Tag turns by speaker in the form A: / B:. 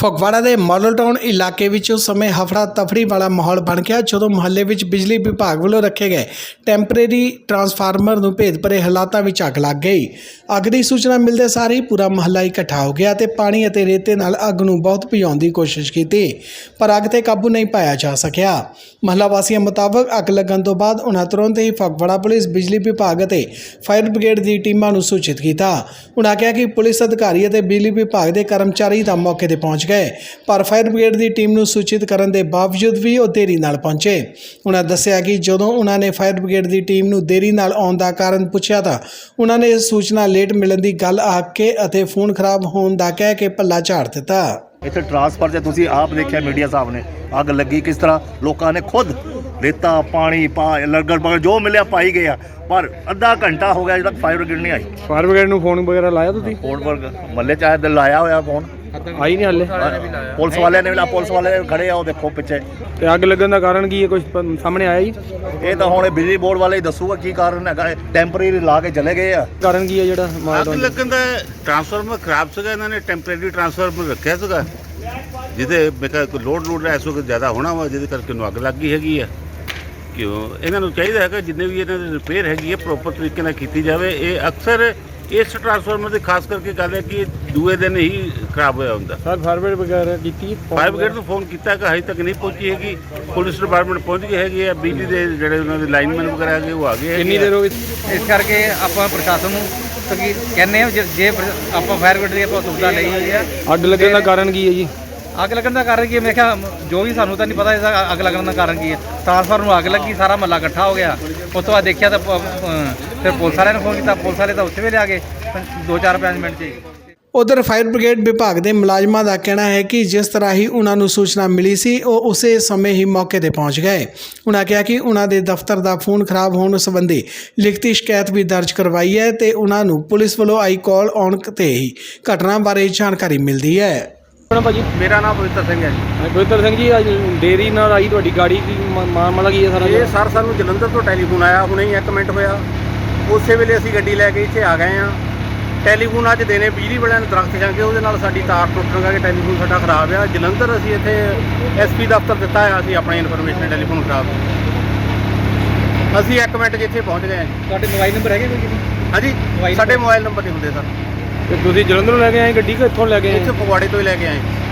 A: ਫਗਵਾੜਾ ਦੇ model town ਇਲਾਕੇ ਵਿੱਚ ਉਸ ਸਮੇਂ ਹਫੜਾ ਤਫੜੀ ਵਾਲਾ ਮਾਹੌਲ ਬਣ ਗਿਆ ਜਦੋਂ ਮੁਹੱਲੇ ਵਿੱਚ ਬਿਜਲੀ ਵਿਭਾਗ ਵੱਲੋਂ ਰੱਖੇ ਗਏ ਟੈਂਪਰੇਰੀ ਟਰਾਂਸਫਾਰਮਰ ਨੂੰ ਭੇਦ ਭਰੇ ਹਾਲਾਤਾਂ ਵਿੱਚ ਅੱਗ ਲੱਗ ਗਈ। ਅੱਗ ਦੀ ਸੂਚਨਾ ਮਿਲਦੇ ਸਾਰ ਹੀ ਪੂਰਾ ਮੁਹੱਲਾ ਇਕੱਠਾ ਹੋ ਗਿਆ ਤੇ ਪਾਣੀ ਅਤੇ ਰੇਤੇ ਨਾਲ ਅੱਗ ਨੂੰ ਬਹੁਤ ਭਜਾਉਣ ਦੀ ਕੋਸ਼ਿਸ਼ ਕੀਤੀ, ਪਰ ਅੱਗ ਤੇ ਕਾਬੂ ਨਹੀਂ ਪਾਇਆ ਜਾ ਸਕਿਆ। ਮੁਹੱਲਾ ਵਾਸੀਆਂ ਮੁਤਾਬਕ ਅੱਗ ਲੱਗਣ ਤੋਂ ਬਾਅਦ ਉਨ੍ਹਾਂ ਤੁਰੰਤ ਹੀ ਫਗਵਾੜਾ ਪੁਲਿਸ, ਬਿਜਲੀ ਵਿਭਾਗ ਅਤੇ ਫਾਇਰ ਬ੍ਰਿਗੇਡ ਦੀ ਟੀਮਾਂ ਨੂੰ ਸੂਚਿਤ ਕੀਤਾ। ਉਨ੍ਹਾਂ ਕਿਹਾ ਕਿ ਪੁਲਿਸ ਅਧਿਕਾਰੀ ਅਤੇ ਬਿਜਲੀ ਵਿਭਾਗ ਦੇ ਕਰਮਚਾਰੀ ਤਾਂ ਮੌਕੇ ਤੇ ਪਹੁੰਚ ਗਏ, ਪਰ ਫਾਇਰ ਬ੍ਰਿਗੇਡ ਦੀ ਟੀਮ ਨੂੰ ਸੂਚਿਤ ਕਰਨ ਦੇ ਬਾਵਜੂਦ ਵੀ ਉਹ ਦੇਰੀ ਨਾਲ ਪਹੁੰਚੇ। ਉਨ੍ਹਾਂ ਦੱਸਿਆ ਕਿ ਜਦੋਂ ਉਨ੍ਹਾਂ ਨੇ ਫਾਇਰ ਬ੍ਰਿਗੇਡ ਦੀ ਟੀਮ ਨੂੰ ਦੇਰੀ ਨਾਲ ਆਉਣ ਦਾ ਕਾਰਨ ਪੁੱਛਿਆ ਤਾਂ ਉਨ੍ਹਾਂ ਨੇ ਸੂਚਨਾ ਲੇਟ ਮਿਲਣ ਦੀ ਗੱਲ ਆਖ ਕੇ ਅਤੇ ਫੋਨ ਖਰਾਬ ਹੋਣ ਦਾ ਕਹਿ ਕੇ ਪੱਲਾ ਝਾੜ ਦਿੱਤਾ।
B: ਇੱਥੇ ਟਰਾਂਸਫਰ 'ਚ ਤੁਸੀਂ ਆਪ ਦੇਖਿਆ ਮੀਡੀਆ ਸਾਹਿਬ ਨੇ ਅੱਗ ਲੱਗੀ ਕਿਸ ਤਰ੍ਹਾਂ ਲੋਕਾਂ ਨੇ ਖੁਦ ਰੇਤਾ ਪਾਣੀ ਲਗੜ ਜੋ ਮਿਲਿਆ ਪਾਈ ਗਿਆ, ਪਰ ਅੱਧਾ ਘੰਟਾ ਹੋ ਗਿਆ ਜਦੋਂ ਤੱਕ ਫਾਇਰ ਬ੍ਰਿਗੇਡ ਨਹੀਂ ਆਈ।
C: ਫਾਇਰ ਬ੍ਰਿਗੇਡ ਨੂੰ ਫੋਨ ਵਗੈਰਾ ਲਾਇਆ ਤੁਸੀਂ?
B: ਫੋਨ ਪਰ ਮੱਲੇ ਚਾਹੇ ਦਿਲ ਲਾਇਆ ਹੋਇਆ ਫੋਨ,
C: ਆਈ ਨਹੀਂ ਹਾਲੇ।
B: ਪੁਲਿਸ ਵਾਲਿਆਂ ਨੇ ਵੀ ਪੁਲਿਸ ਵਾਲੇ ਖੜੇ ਆ, ਉਹ ਦੇਖੋ ਪਿੱਛੇ।
C: ਤੇ ਅੱਗ ਲੱਗਣ ਦਾ ਕਾਰਨ ਕੀ ਹੈ, ਕੁਝ ਸਾਹਮਣੇ ਆਇਆ ਜੀ?
B: ਇਹ ਤਾਂ ਹੁਣ ਬਿਜਲੀ ਬੋਰਡ ਵਾਲੇ ਹੀ ਦੱਸੂਗਾ ਕੀ ਕਾਰਨ ਹੈਗਾ। ਟੈਂਪਰੇਰੀ ਲਾ ਕੇ ਚਲੇ ਗਏ ਆ।
C: ਕਾਰਨ ਕੀ ਹੈ ਜਿਹੜਾ
D: ਅੱਗ ਲੱਗਣ ਦਾ? ਟਰਾਂਸਫਾਰਮਰ ਖਰਾਬ ਸੀਗਾ, ਇਹਨਾਂ ਨੇ ਟੈਂਪਰੇਰੀ ਟਰਾਂਸਫਾਰਮਰ ਰੱਖਿਆ ਸੀਗਾ ਜਿਹਦੇ ਕੋਈ ਲੋਡ ਇਸ ਵਕਤ ਜ਼ਿਆਦਾ ਹੋਣਾ ਵਾ, ਜਿਹਦੇ ਕਰਕੇ ਨੂੰ ਅੱਗ ਲੱਗ ਗਈ ਹੈਗੀ ਆ। ਕਿਉਂ ਇਹਨਾਂ ਨੂੰ ਚਾਹੀਦਾ ਹੈਗਾ ਜਿੰਨੇ ਵੀ ਇਹਨਾਂ ਦੀ ਰਿਪੇਅਰ ਹੈਗੀ ਹੈ ਪ੍ਰੋਪਰ ਤਰੀਕੇ ਨਾਲ ਕੀਤੀ ਜਾਵੇ। ਇਹ ਅਕਸਰ ਇਸ ਟਰਾਂਸਫਾਰਮਰ ਦੀ ਖਾਸ ਕਰਕੇ ਗੱਲ ਹੈ ਕਿ ਦੂਏ ਦਿਨ ਹੀ ਖਰਾਬ ਹੋਇਆ ਹੁੰਦਾ।
C: ਸਰ ਫਾਇਰ ਬ੍ਰਿਗੇਡ ਵਗੈਰਾ ਕੀਤੀ?
D: ਫਾਇਰ ਬ੍ਰਿਗੇਡ ਨੂੰ ਫੋਨ ਕੀਤਾ ਕਿ ਹਜੇ ਤੱਕ ਨਹੀਂ ਪਹੁੰਚੀ ਹੈਗੀ। ਪੁਲਿਸ ਡਿਪਾਰਟਮੈਂਟ ਪਹੁੰਚ ਗਈ ਹੈਗੀ ਹੈ, ਬਿਜਲੀ ਦੇ ਜਿਹੜੇ ਉਹਨਾਂ ਦੇ ਲਾਈਨਮੈਨ ਵਗੈਰਾ ਹੈਗੇ ਉਹ ਆ ਗਏ।
C: ਕਿੰਨੀ ਦੇਰ ਹੋ ਗਈ?
E: ਇਸ ਕਰਕੇ ਆਪਾਂ ਪ੍ਰਸ਼ਾਸਨ ਨੂੰ ਕਹਿੰਦੇ ਹਾਂ ਜੇ ਆਪਾਂ ਫਾਇਰ ਬ੍ਰਿਗੇਡ ਦੀ ਆਪਾਂ ਸੁਵਿਧਾ ਲਈ ਹੋਈ ਆ।
C: ਅੱਗ ਲੱਗਣ ਦਾ ਕਾਰਨ ਕੀ ਹੈ ਜੀ?
E: ਅੱਗ ਲੱਗਣ ਦਾ ਕਾਰਨ ਕੀ ਹੈ? ਮੈਂ ਕਿਹਾ ਜੋ ਵੀ ਸਾਨੂੰ ਤਾਂ ਨਹੀਂ ਪਤਾ ਇਹਦਾ ਅੱਗ ਲੱਗਣ ਦਾ ਕਾਰਨ ਕੀ ਹੈ। ਟਰਾਂਸਫਾਰਮਰ ਨੂੰ ਅੱਗ ਲੱਗੀ, ਸਾਰਾ ਮਹੱਲਾ ਇਕੱਠਾ ਹੋ ਗਿਆ। ਉਸ ਤੋਂ ਬਾਅਦ ਦੇਖਿਆ ਤਾਂ ਫਿਰ ਪੁਲਿਸ ਵਾਲਿਆਂ ਨੂੰ ਫੋਨ ਕੀਤਾ, ਪੁਲਿਸ ਵਾਲੇ ਤਾਂ ਉੱਥੇ ਵੇਲੇ ਆ ਗਏ 2-4-5 ਮਿੰਟ 'ਚ ਹੀ।
A: ਉਧਰ ਫਾਇਰ ਬ੍ਰਿਗੇਡ ਵਿਭਾਗ ਦੇ ਮੁਲਾਜ਼ਮਾਂ ਦਾ ਕਹਿਣਾ ਹੈ ਕਿ ਜਿਸ ਤਰ੍ਹਾਂ ਹੀ ਉਹਨਾਂ ਨੂੰ ਸੂਚਨਾ ਮਿਲੀ ਸੀ ਉਹ ਉਸੇ ਸਮੇਂ ਹੀ ਮੌਕੇ ਤੇ ਪਹੁੰਚ ਗਏ। ਉਹਨਾਂ ਕਿਹਾ ਕਿ ਉਹਨਾਂ ਦੇ ਦਫ਼ਤਰ ਦਾ ਫੋਨ ਖਰਾਬ ਹੋਣ ਸੰਬੰਧੀ ਲਿਖਤੀ ਸ਼ਿਕਾਇਤ ਵੀ ਦਰਜ ਕਰਵਾਈ ਹੈ ਤੇ ਉਹਨਾਂ ਨੂੰ ਪੁਲਿਸ ਵੱਲੋਂ ਆਈ ਕਾਲ ਆਉਣ ਤੇ ਹੀ ਘਟਨਾ ਬਾਰੇ ਜਾਣਕਾਰੀ ਮਿਲਦੀ ਹੈ।
C: ਭਾਜੀ
D: ਮੇਰਾ ਨਾਮ ਪਵਿੱਤਰ ਸਿੰਘ ਹੈ ਜੀ।
C: ਪਵਿੱਤਰ ਸਿੰਘ ਜੀ, ਅੱਜ ਦੇਰੀ ਨਾਲ ਆਈ ਤੁਹਾਡੀ ਗਾੜੀ ਕੀ ਮਾਮਲਾ ਕੀ ਹੈ ਸਾਰਾ?
D: ਇਹ ਸਰ ਸਾਨੂੰ ਜਲੰਧਰ ਤੋਂ ਟੈਲੀਫੋਨ ਆਇਆ, ਹੁਣੇ ਹੀ 1 ਮਿੰਟ ਹੋਇਆ। ਉਸੇ ਵੇਲੇ ਅਸੀਂ ਗੱਡੀ ਲੈ ਕੇ ਇੱਥੇ ਆ ਗਏ ਹਾਂ। ਟੈਲੀਫੋਨ ਅੱਜ ਦੇਣੇ ਬਿਜਲੀ ਵਾਲਿਆਂ ਨੂੰ ਦਰਖਤ ਜਾਂਗੇ, ਉਹਦੇ ਨਾਲ ਸਾਡੀ ਤਾਰ ਟੁੱਟਣ ਕਰਕੇ ਟੈਲੀਫੋਨ ਸਾਡਾ ਖਰਾਬ ਆ। ਜਲੰਧਰ ਅਸੀਂ ਇੱਥੇ SP ਦਫ਼ਤਰ ਦਿੱਤਾ ਆ, ਅਸੀਂ ਆਪਣੀ ਇਨਫੋਰਮੇਸ਼ਨ ਟੈਲੀਫੋਨ ਖਰਾਬ। ਅਸੀਂ 1 ਮਿੰਟ 'ਚ ਇੱਥੇ ਪਹੁੰਚ ਗਏ ਹਾਂ ਜੀ।
E: ਤੁਹਾਡੇ ਮੋਬਾਈਲ ਨੰਬਰ ਹੈਗੇ ਕੋਈ?
D: ਹਾਂਜੀ, ਸਾਡੇ ਮੋਬਾਈਲ ਨੰਬਰ ਨਹੀਂ ਹੁੰਦੇ ਸਰ।
C: ਤੇ ਤੁਸੀਂ ਜਲੰਧਰੋਂ ਲੈ ਕੇ ਆਏ ਗੱਡੀ ਕਿ ਇੱਥੋਂ ਲੈ ਕੇ ਆਏ?
D: ਇੱਥੇ ਫਗਵਾੜੇ ਤੋਂ ਹੀ ਲੈ ਕੇ ਆਏ।